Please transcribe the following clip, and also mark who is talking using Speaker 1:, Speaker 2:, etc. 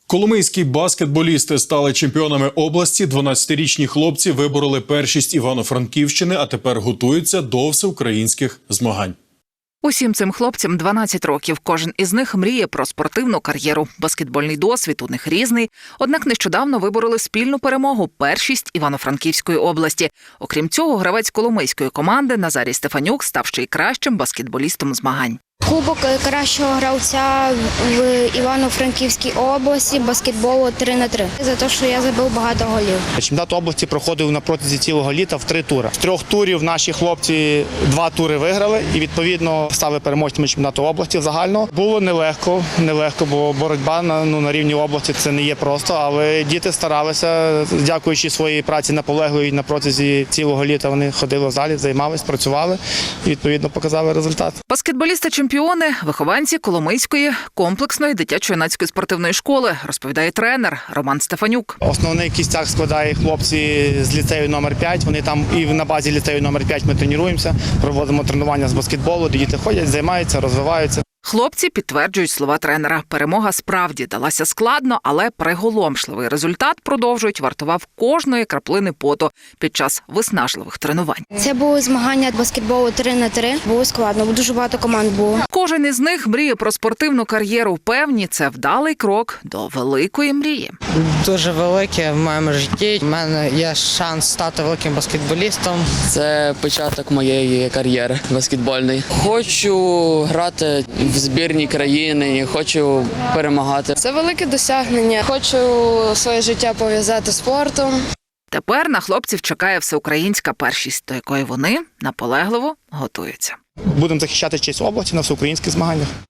Speaker 1: Коломийські баскетболісти стали чемпіонами області. 12-річні хлопці вибороли першість Івано-Франківщини, а тепер готуються до всеукраїнських змагань.
Speaker 2: Усім цим хлопцям 12 років. Кожен із них мріє про спортивну кар'єру. Баскетбольний досвід у них різний. Однак нещодавно вибороли спільну перемогу – першість Івано-Франківської області. Окрім цього, гравець коломийської команди Назарій Стефанюк став ще й кращим баскетболістом змагань.
Speaker 3: Кубок кращого гравця в Івано-Франківській області баскетболу 3х3. За те, що я забив багато голів.
Speaker 4: Чемпіонат області проходив на протязі цілого літа в 3 тури. З 3 турів наші хлопці 2 тури виграли і, відповідно, стали переможцями чемпіонату області загального. Було нелегко, бо боротьба на рівні області це не є просто, але діти старалися, дякуючи своїй праці наполегливій на протязі цілого літа. Вони ходили в залі, займалися, працювали і, відповідно, показали результат.
Speaker 2: Баскетболісти-чемпіони – вихованці Коломийської комплексної дитячо-юнацької спортивної школи, розповідає тренер Роман Стефанюк.
Speaker 4: Основний кістяк складає хлопці з ліцею номер 5. Вони там і на базі ліцею номер 5 ми тренуємося, проводимо тренування з баскетболу, де діти ходять, займаються, розвиваються.
Speaker 2: Хлопці підтверджують слова тренера. Перемога справді далася складно, але приголомшливий результат, продовжують, вартував кожної краплини поту під час виснажливих тренувань.
Speaker 3: Це були змагання баскетболу 3х3. Було складно, бо дуже багато команд було.
Speaker 2: Кожен із них мріє про спортивну кар'єру. Певні, це вдалий крок до великої мрії.
Speaker 5: Дуже велике в моєму житті. У мене є шанс стати великим баскетболістом.
Speaker 6: Це початок моєї кар'єри баскетбольної. Хочу грати в збірній країни, хочу перемагати.
Speaker 7: Це велике досягнення. Хочу своє життя пов'язати з спортом.
Speaker 2: Тепер на хлопців чекає всеукраїнська першість, до якої вони наполегливо готуються.
Speaker 4: Будемо захищати честь області на всеукраїнських змаганнях.